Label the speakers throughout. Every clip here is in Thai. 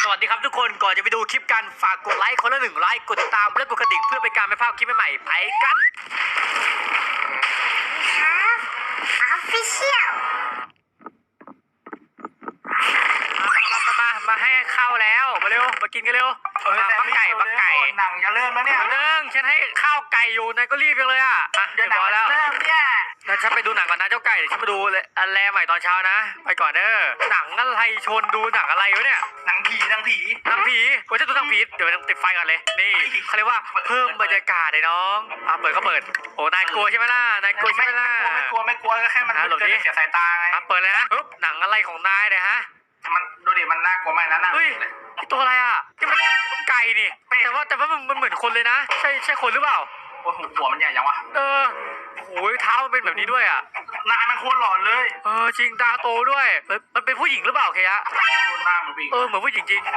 Speaker 1: วัสดีครับทุกคนก่อนจะไปดูคลิปกันฝากกดไลค์คนละ1 ไลค์กดติดตามและกดกระดิ่งเพื่อเป็นการไม่พลาดคลิปใหม่ๆไปกัน
Speaker 2: Official
Speaker 1: มาให้ข้าวแล้วมาเร็วมากินกันเร็วบักไก่
Speaker 3: หนังจะเริ่มแล้วเนี่ย
Speaker 1: เรื่องฉันให้ข้าวไก่อยู่นายก็รีบจังเลยอ่ะเดี๋ยวแล้ว
Speaker 3: เริ่มเนี่ย
Speaker 1: งั้นฉันไปดูหนังก่อนนะเจ้าไก่เดี๋ยวฉันมาดูอันแรกใหม่ตอนเช้านะไปก่อนเด้อหนังอะไรชนดูหนังอะไรวะเนี่ย
Speaker 3: หนังผี
Speaker 1: โอ้ยจะดูหนังผีเดี๋ยวติดไฟก่อนเลยนี่เขาเรียกว่าเพิ่มบรรยากาศเลยน้องเปิดก็เปิดโอ้นายกลัวใช่ไหมล่ะนายกลัวใช่ไหมล่ะ
Speaker 3: ไม่กลัวก็แค่มันเสียสายตาไง
Speaker 1: เปิดเลยนะปึ๊บหนังอะไรของนายเนี่ยฮะ
Speaker 3: มันดูดิมันน่ากลัวมากนะ
Speaker 1: เฮ้ยตัวอะไรอ่ะที่มันไก่นี่แต่ว่ามันเหมือนคนเลยนะใช่คนหรือเปล่า
Speaker 3: หัวมันใหญ่ยังวะ
Speaker 1: โอ้ยเท้ามันเป็นแบบนี้ด้วยอ่ะ
Speaker 3: หน้ามันโคตรหลอนเลย
Speaker 1: จริงตาโตด้วยมันเป็นผู้หญิงหรือเปล่าเคยะ
Speaker 3: หน้ามันผู้หญิง
Speaker 1: เหมือนผู้หญิงจริง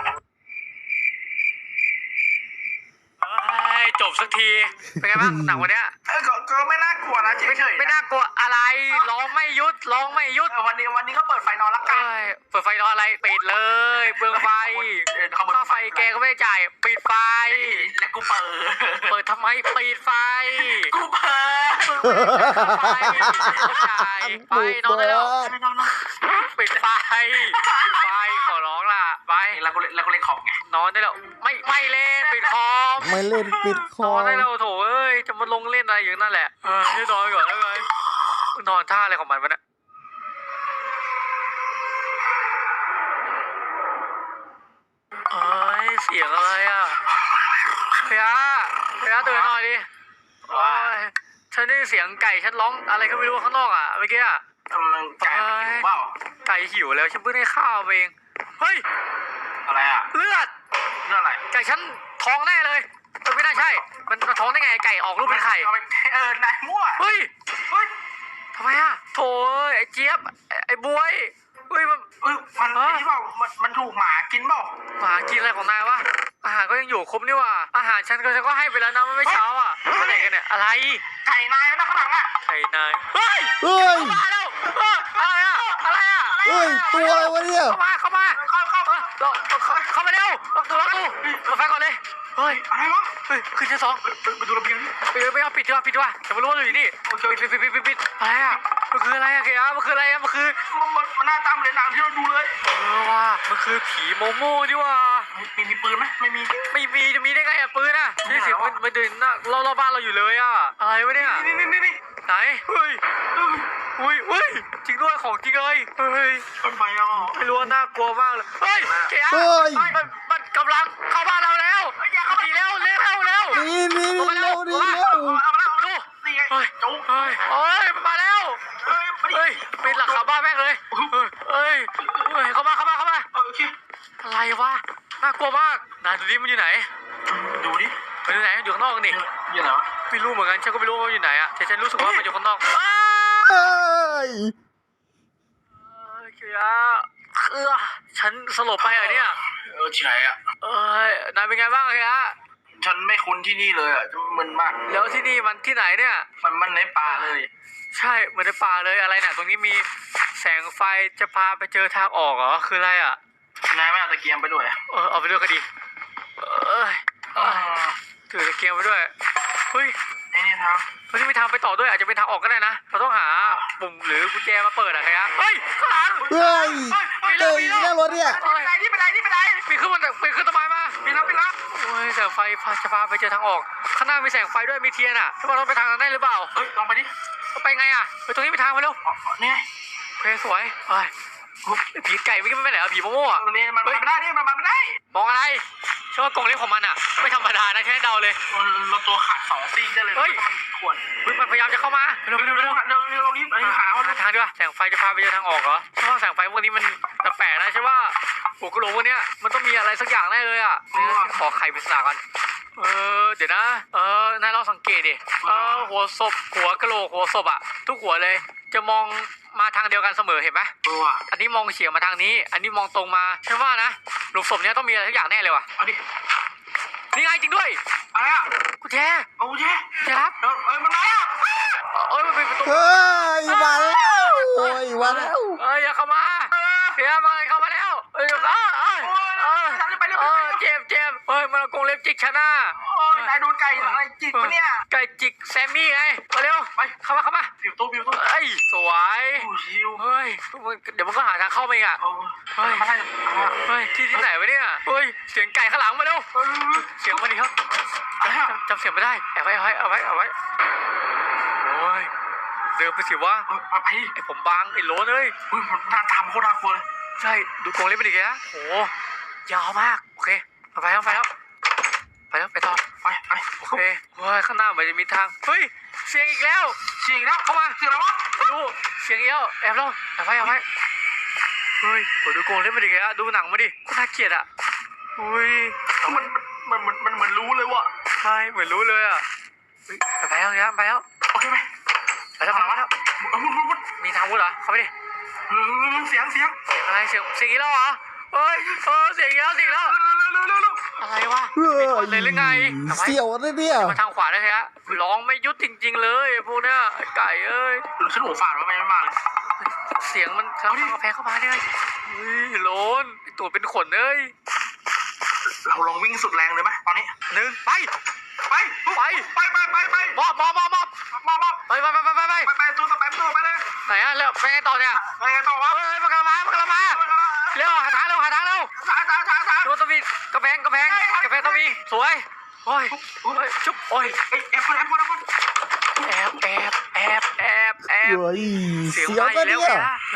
Speaker 1: จบสักทีเป็นไงบ้างหนังวันเนี้ย
Speaker 3: ก็ไม่น่ากลัวนะเฉย
Speaker 1: ไม่น่ากลัวอะไรร้องไม่ยุด
Speaker 3: วันนี้ก็เปิดไฟนอนละกัน
Speaker 1: เปิดไฟนอนอะไรปิดเลยเปลืองไฟค่าไฟแกก็ไม่จ่ายปิดไฟ
Speaker 3: แล้วกูเปิ
Speaker 1: ดทำไมปิดไฟ
Speaker 3: กูเปิด
Speaker 1: จ่ายไปนอนได้แล้วปิดไฟขอร้องล่ะไป
Speaker 3: แล้วกูเล่นคอมไง
Speaker 1: นอนได้แล้วไม่เล่นปิดคอม
Speaker 4: ไม่เล่นปิดคอม
Speaker 1: นอนได้แล้วโถเอ้ยจะมาลงเล่นอะไรอย่างนั่นแหละให้นอนก่อนได้ไหมนอนท่าอะไรของมันวะเนี่ยเสียงอะไรอ่ะพยาตื่นหน่อยดิฉันได้เสียงไก่ฉันร้องอะไรก็ไม่รู้ข้างนอกอ่ะเมื่อกี้อ่ะ
Speaker 3: ไก่หิวเปล่า
Speaker 1: ไก่หิวแล้วฉันเพิ่งได้ข้าวเองเฮ้ย
Speaker 3: อะไรอ่ะ
Speaker 1: เลือด
Speaker 3: อะไร
Speaker 1: ไก่ฉันท้องแน่เลยไม่น่าใช่มันท้องได้ไงไก่ออกลูกเป็นไข่
Speaker 3: นายมั่ว
Speaker 1: เฮ้ยทำไมอ่ะโถไอ้เจี๊ยบไอ้บวยเฮ้ย
Speaker 3: มันนี่เปล่ามันถูกหมากินเปล่า
Speaker 1: หมากินอะไรของนายวะอาหารก็ยังอยู่ครบนี่ว่ะอาหารฉันก็ให้ไปแล้วนะไม่เช้าอ่ะอะไรกันเนี่ยอะไร
Speaker 3: ไก่นายนะข้างหลังอ่ะ
Speaker 1: ไก่นายเฮ้ยมาแล้วอะไรอ่ะ
Speaker 4: เฮ้ยตัวอะไรวะเนี่ย
Speaker 1: เข้ามาเร็วล็อกตัวเปิดไฟก่อนเลยเฮ้ย
Speaker 3: อะไรวะ
Speaker 1: ขึ้นชั้น2
Speaker 3: ไปดูระเบียง
Speaker 1: ไม่เอาปิดดีกว่าแต่ไม่รู้ว่าอยู่นี่ปิดอะไรอ่ะมันคืออะไรอ่ะเคมันคืออะไรอ่ะมัน
Speaker 3: หน้าตาเหมือนหนังที่เราดูเลย
Speaker 1: ว่ะมันคือผีโมโม่ดิว่ะ
Speaker 3: มีปืนไหมไม่มี
Speaker 1: จะมีได้ไงอ่ะปืนอ่ะนี่เสียงมันเดินหน้ารอบบ้านเราอยู่เลยอ่ะอะไรวะเนี่ย
Speaker 3: นี่
Speaker 1: ไหนเฮ้ยจริงด้วยของจริงเลยเฮ้ย
Speaker 3: มันไปอ่ะ
Speaker 1: ไม่รู้น่ากลัวมากเลยเฮ้ยเคมันกำลังเข้าบ้านเราแล้วดีเร็ว
Speaker 4: นี่เร็วดิ
Speaker 1: มาแล้วปิดหลังคาบ้านแม่งเลยเข้ามาอะไรวะน่ากลัวมากนายดูดิมันอยู่ไหน
Speaker 3: ดูดิ
Speaker 1: มันอยู่ไหนอยู่ข้างนอกนี่
Speaker 3: อยู่ไหนวะ
Speaker 1: ไม่รู้เหมือนกันฉันก็ไม่รู้ว่าอยู่ไหนอะแต่ฉันรู้สึกว่ามันอยู่ข้างนอกฉันสลบไปเหรอเนี่ย
Speaker 3: ใช่อ่ะ
Speaker 1: นายเป็นไงบ้าง
Speaker 3: ฉันไม่คุ้นที่นี่เลยอ่ะมึนมาก
Speaker 1: แล้วที่นี่มันที่ไหนเนี่ย
Speaker 3: มันในป่าเลย
Speaker 1: ใช่เหมือนในป่าเลยอะไรเนี่ยตรงนี้มีแสงไฟจะพาไปเจอทางออกเหรอคืออะไรอ่ะ
Speaker 3: นายไม่เอาตะเกียงไปด้วย
Speaker 1: เอาไปด้วยก็ดีถือตะเกียงไปด้วยเฮ้ย
Speaker 3: นี่ทาง
Speaker 1: มันจะมีทางไปต่อด้วยอาจจะเป็นทางออกก็ได้นะเราต้องหาปุ่มหรือกุญแจมาเปิดอะไรอ่ะเฮ้ยข้างหลัง
Speaker 4: นั่งรถเนี่ย
Speaker 3: นี่ไปไหน
Speaker 1: ปีนขึ้นต้นไม้มา
Speaker 3: ปีนแล้ว
Speaker 1: โอ้ยแสงไฟจะพาไปเจอทางออกข้างหน้ามีแสงไฟด้วยมีเทียนอ่ะว่าเราไปทางนั้นได้หรือเปล่า
Speaker 3: ลองไปดิ
Speaker 1: ไปไงอ่ะไปตรงนี้ไปทางไปเร็ว
Speaker 3: นี่
Speaker 1: เพลสวยผีไก่ไม่ไปไหนอ่ะผีโม่
Speaker 3: ตรงนี้มันไม่ได้นี่มันไม่ได้
Speaker 1: มองอะไรเชื่อว่ากรงเล็บของมันอ่ะไม่ธรรมดานะแค่เดาเลย
Speaker 3: เราตัวขาด2 ซี่ได้เลยมันขวน
Speaker 1: มันพยายามจะเข้ามา
Speaker 3: เร็วรีบหา
Speaker 1: ทางดีกว่าแสงไฟจะพาไปเจอทางออกเหรอเพราะว่าแสงไฟพวกนี้มันแปลกนะใช่ว่าหัวกะโหลกพวกนี้มันต้องมีอะไรสักอย่างแน่เลยอ่ะขอไข่ปริศนากันเดี๋ยวนะนายลองสังเกตดิหัวศพหัวกะโหลกหัวศพอ่ะทุกหัวเลยจะมองมาทางเดียวกันเสมอเห็นไหมอันนี้มองเฉียงมาทางนี้อันนี้มองตรงมาใช่ว่านะหลุมศพเนี้ยต้องมีอะไรสักอย่างแน่เลยว่ะ
Speaker 3: เอาดิ
Speaker 1: นี่ไงจริงด้วย
Speaker 3: อะไรอ่ะ
Speaker 1: กุญแจ
Speaker 3: ครับมันมา
Speaker 1: มันเป็นประตู
Speaker 4: มาแล้ว
Speaker 1: อย่าเข้ามาเสียมาเข้ามาแล้ว
Speaker 3: ไป
Speaker 1: จิกฉันน่ะ
Speaker 3: โอ้ยนายโดนไก่อะไรจิกวะเนี่ย
Speaker 1: ไก่จิกแซมมี่ไงมาเร็ว
Speaker 3: ไป
Speaker 1: เข้ามา
Speaker 3: ปิวตู้
Speaker 1: เอ้ยสวย
Speaker 3: โอ้ชิว
Speaker 1: เฮ้ยเดี๋ยวมันก็หาทางเข้าไปอีกอ่ะ
Speaker 3: โอ้ยมาได้
Speaker 1: เฮ้ยที่ไหนวะเนี่ยเฮ้ยเสียงไก่ข้างหลังมาเร็วเสียงมาดิครับจำเสียงไม่ได้แอบไว้เอาไว้โอ้ยเดินไปสิวะ
Speaker 3: ไป
Speaker 1: ไอผมบางไอโหลนเลย
Speaker 3: อุ้ยหน้าตามโคตรน่ากลัวเลย
Speaker 1: ใช่ดูกรงเล็บไปดิแกโอ้ยาวมากโอเคไปแล้วไปต่อ
Speaker 3: ไป
Speaker 1: โอเคเฮ้ยข้างหน้าเหมือนจะมีทางเฮ้ยเสียงอีกแล้ว
Speaker 3: เสียงแล้วเข้ามาเสียงอะไรวะ
Speaker 1: ไม่รู้เสียงอีกแล้วแอบแล้วแอบไว้เฮ้ยดูกรงเล็บไปดิแกดูหนังมาดิก็น่าเกลียดอ่ะอุ้ย
Speaker 3: มันเหมือนรู้เลยว่ะ
Speaker 1: ใช่เหมือนรู้เลยอ่ะไปแล้ว
Speaker 3: โอเคไหม
Speaker 1: ไปแล้ว
Speaker 3: มุด
Speaker 1: มีทางวุ้นเหรอเข้าไปดิ
Speaker 3: เสียง
Speaker 1: เสียงอะไรเสียงอีกแล้วเหรอเฮ้ยเสียงอีกแล้วอะไรวะ
Speaker 4: เฮ้ย
Speaker 1: เลยหรือไง
Speaker 4: เสี่ยวเลยเนี่ย
Speaker 1: มาทางขวาได้ฮะร้องไม่ยุดจริงๆเลยพวกเนี้ยไก่เอ้ย
Speaker 3: หรือฉันหัวฝาดว่าไม่มาเลย
Speaker 1: เสียงมันทางกาแฟเข้ามาเนี่ยเฮ้ยโลนตัวเป็นขนเอ้ย
Speaker 3: เราลองวิ่งสุดแรงเลยไหมตอนนี้
Speaker 1: 1ไปมอบ
Speaker 3: ไปตัวต่อไปเลย
Speaker 1: ไหนอะแล้วไปไงต่อเนี่ย
Speaker 3: ไปไงต่อวะ
Speaker 1: เฮ้ยมากระมาเร็วหาทางเร็ว
Speaker 3: ช้า
Speaker 1: ตัวต้องมีกระแพงต้องมีสวยโอ้ยชุบโอ้ย
Speaker 3: แอบคน
Speaker 1: แอบ
Speaker 4: เฮ้ย
Speaker 1: เสียง
Speaker 4: เสี่ยว
Speaker 1: มา
Speaker 4: เล
Speaker 1: อี
Speaker 4: ย
Speaker 1: กแล้ว
Speaker 4: เนี่ย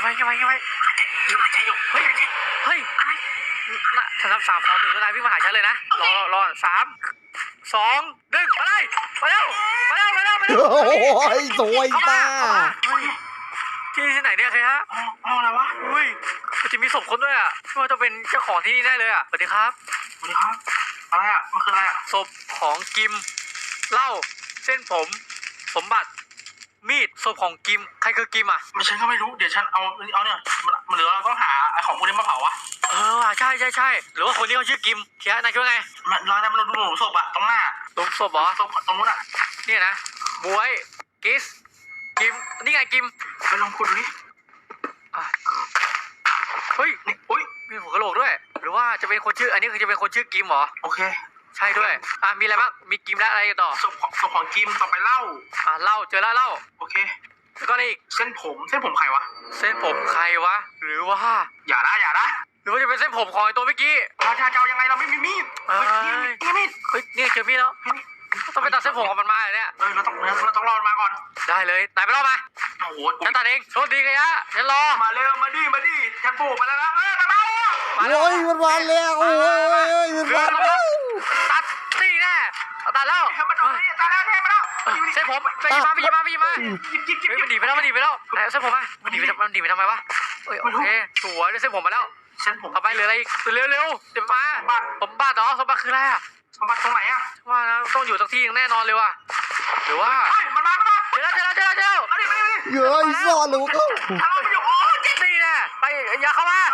Speaker 1: เฮ้ยฉันนับ3 2 1แล้วนายวิ่งมาหาฉันเลยนะรอ3 2 1มาเลยมาเร็ว
Speaker 4: โอ้ยตัวอีตา
Speaker 1: ที่ไหนเนี่ยใครฮะ
Speaker 3: เอาอะไรวะ
Speaker 1: อุ้ยมันจะมีศพคนด้วยอ่ะว่าจะเป็นเจ้าของที่นี่แน่เลยอ่ะสวัสดีครับ
Speaker 3: สวัสดีครับอะไรอ่ะมันคืออะไรอ่ะ
Speaker 1: ศพของกิมเหล้าเส้นผมสมบัติมีดศพของกิมใครคือกิมอ่ะ
Speaker 3: ไม่ฉันก็ไม่รู้เดี๋ยวฉันเอาเนี่ยมันเหลือเราต้องหาไอ้ของพวกนี้มาเผาวะ
Speaker 1: ว่ะใช่หรือว่าคนนี้เขาชื่อกิมเทียนายคิดว่าไง
Speaker 3: มันร้านนั้นมันดูหนูศพอะตรงหน้า
Speaker 1: หลุมศพเหรอ
Speaker 3: ศพตรงนู้นอะ
Speaker 1: เนี่ยนะบวยกิสกิมนี่ไงกิม
Speaker 3: ไปลองขุดดูดิ
Speaker 1: อ่ะเฮ้ย
Speaker 3: นี่อุ้ย
Speaker 1: มีหัวกะโหลกด้วย หรือว่าจะเป็นคนชื่ออันนี้คือจะเป็นคนชื่อกิมเหรอ
Speaker 3: โอเค
Speaker 1: ใช่ด้วยมีอะไรบ้างมีกิมและอะไรต่อ
Speaker 3: ศพของกิมต่อไปเหล้า
Speaker 1: เหล้าเจอแล้วเหล้า
Speaker 3: โอเค
Speaker 1: แล้วก็อะไรอีก
Speaker 3: เส้นผมใครวะ
Speaker 1: เส้นผมใครวะหรือว่า
Speaker 3: อย่านะ
Speaker 1: หรือว่าจะเป็นเส้นผมของไอ้ตัวเมื่อกี้
Speaker 3: เราจะเอายังไงเราไม่มีมีดนี่มีด
Speaker 1: เฮ้ยนี่เจอมีดแล้วต้องไปตัดเส้นผมของมันมาเหรอเนี่ย
Speaker 3: เราต้องรอมาก่อน
Speaker 1: ได้เลยนายไปรอมา
Speaker 3: โอ้โห
Speaker 1: ฉันตัดเองโชคดีเลยฮะฉันรอ
Speaker 3: มาเร็วมาดิฉันปลูกมาแล้วนะมา
Speaker 1: แล้ว
Speaker 4: โอ้ยมันมาแล้วโอ้ยมันมาแล้ว
Speaker 1: ตัดตีแน่ตัดแล้ว
Speaker 3: มันเอาตาแล้วเนี่ยมาแล้ว
Speaker 1: เส้นผมไปยิงมา
Speaker 3: หยิบ
Speaker 1: เฮ้ยมันหนีไปแล้วเส้นผมมามันหนีไปทำไมวะโอเคสวยได้เส้นผมมาแล้ว
Speaker 3: เส้นผม
Speaker 1: ต่อไปเหลืออะไรอีกเร็วเดี๋ยวมาสมบัติเหรอสมบัติคืออะไรอ่ะ
Speaker 3: สมบัติตรงไหนอะ
Speaker 1: ว่านะต้องอยู่สักที่แน่นอนเลยว่ะหรือว่า
Speaker 3: มันมา
Speaker 1: เจอแล้ว
Speaker 3: เอาดิ
Speaker 4: เฮ้ยซ่อนหรือก็
Speaker 3: ถ้าเราไปอยู่โอ้เจ็บ
Speaker 1: ตีแน่ไปอย่าเข้ามา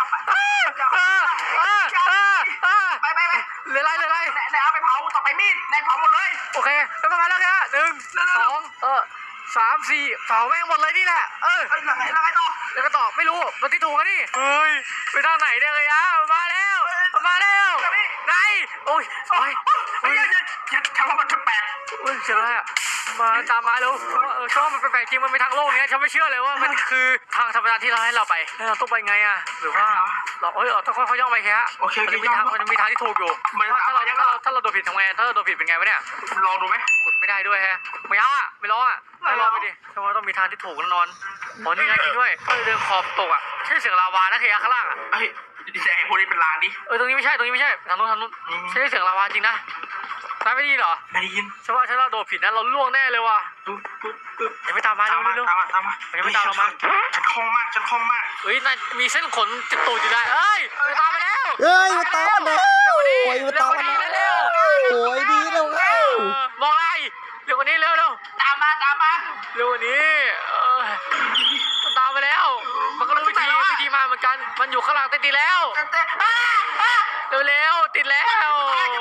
Speaker 3: ไป
Speaker 1: เหลืออะไร
Speaker 3: นายเอาไปเผาต่อไปมีดนายเผาหมดเลย
Speaker 1: โอเคแล้วประมาณแล้วแค่1 2 3 4เผาแม่งหมดเลยนี่แหละ
Speaker 3: แล้วไงต่อ
Speaker 1: แล้วก็ตอบไม่รู้มันที่ถูกกันนี่เฮ้ยไปทางไหนเนี่ยเลยมาแล้วไหนโอ้ย
Speaker 3: ฉันว่ามันแปลก
Speaker 1: เจอแล้วมาตามมาแล้วชอบมันแปลกจริงมันเป็นทางโลกเนี้ยฉันไม่เชื่อเลยว่ามันคือทางธรรมดาที่เราให้เราไปเราต้องไปไงอ่ะหรือว่าเราต้องค่อยๆย่องไปแค่มันมีทางที่ถูกอยู่ถ้าเราโดนผิดทำไงถ้าเราโดนผิดเป็นไงวะเนี่ย
Speaker 3: ลองดูไหม
Speaker 1: ขุดไม่ได้ด้วยฮะไม่เอาอ่ะไม่รออ่ะไม่รอไปดิเพราะว่าต้องมีทางที่ถูกแน่นอนอ๋อนี่ไงจริงด้วยก็เลยเดินขอบตกอ่ะใช่เสียงลาวานะเคียข้างล่างอ่ะ
Speaker 3: เฮ้ยแต่พวกนี้เป็นลางดิ
Speaker 1: ตรงนี้ไม่ใช่ทางนู้นใช่เสียงลาวาจริงนะนายไม่ดีเหรอ
Speaker 3: ไม่ได้ยิน
Speaker 1: ฉันว่าเราโดนผิดนะเราล่วงแน่เลยว่ะยังไม่ตามมาเร็ว
Speaker 3: ตามมา
Speaker 1: ยังไม่ตามเรามา
Speaker 3: ฉันคล่องมาก
Speaker 1: เฮ้ยนายมีเส้นขนติดตูดอยู่ได้เอ้ยตามไปแล้ว
Speaker 4: เฮ้ยมันตามมาแล้วโอ้ยมันตามมาแล้วโอ้ยดีแล้ว
Speaker 1: มองอะไรเร็วกว่านี้เร็ว
Speaker 3: ตามมา
Speaker 1: เร็วกว่านี้มันตามไปแล้วมันก็รู้วิธีมาเหมือนกันมันอยู่ข้างหลังติดแล้วเร็วติดแล้ว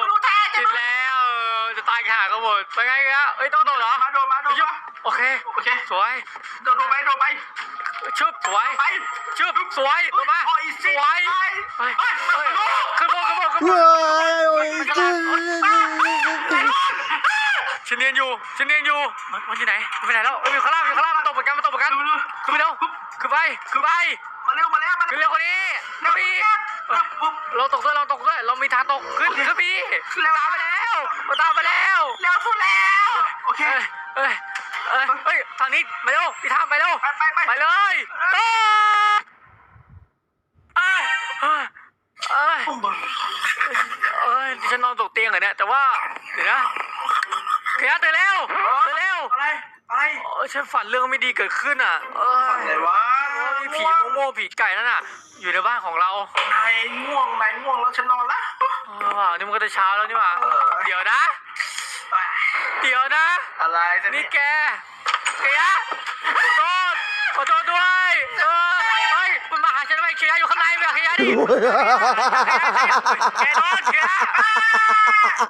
Speaker 1: จะตายขาก็หมดไปไงกันเอ้ยต้องโดนเหรอ
Speaker 3: โดนมา
Speaker 1: โอเคสวย
Speaker 3: โดนไป
Speaker 1: ชึบสวยชึบสวยลงมาสวยขึ้นบน
Speaker 4: เฮ้ยโอ้ย
Speaker 1: ฉันเนียนอยู่มันอยู่ไหนมันไปไหนแล้วอยู่ข้างล่างมันตกเหมือนกันขึ้นไปเร็วขึ้นไป
Speaker 3: มาเร็ว
Speaker 1: ขึ้นเร็วกว่านี้ขึ้นไปอีกเราตกด้วยเรามีทางตกขึ้นไปตามไปแล้ว
Speaker 3: เร็วสุดแล้วโอเค
Speaker 1: เฮ้ยทางนี้มาเร็วพี่ทามไปเร็ว
Speaker 3: ไป
Speaker 1: เลยฉันนอนตกเตียงเหรอเนี่ยแต่ว่าเดี๋ยวนะเขียตื่นเร็ว
Speaker 3: อะไร
Speaker 1: ฉันฝันเรื่องไม่ดีเกิดขึ้นอ่ะ
Speaker 3: อะไรวะ
Speaker 1: มีผีโม่ผีไก่นั่นน่ะอยู่ในบ้านของเรา
Speaker 3: นายง่วงแล้วฉันนอนละ
Speaker 1: ว้าวนี่มันก็จะเช้าแล้วนี่หว่าเดี๋ยวนะ
Speaker 3: อะไร
Speaker 1: นี่แกขอโทษด้วยเฮ้ยมันมาหาฉันทำไมเขียอยู่ข้างในไม่อยากเขียดิแกโดน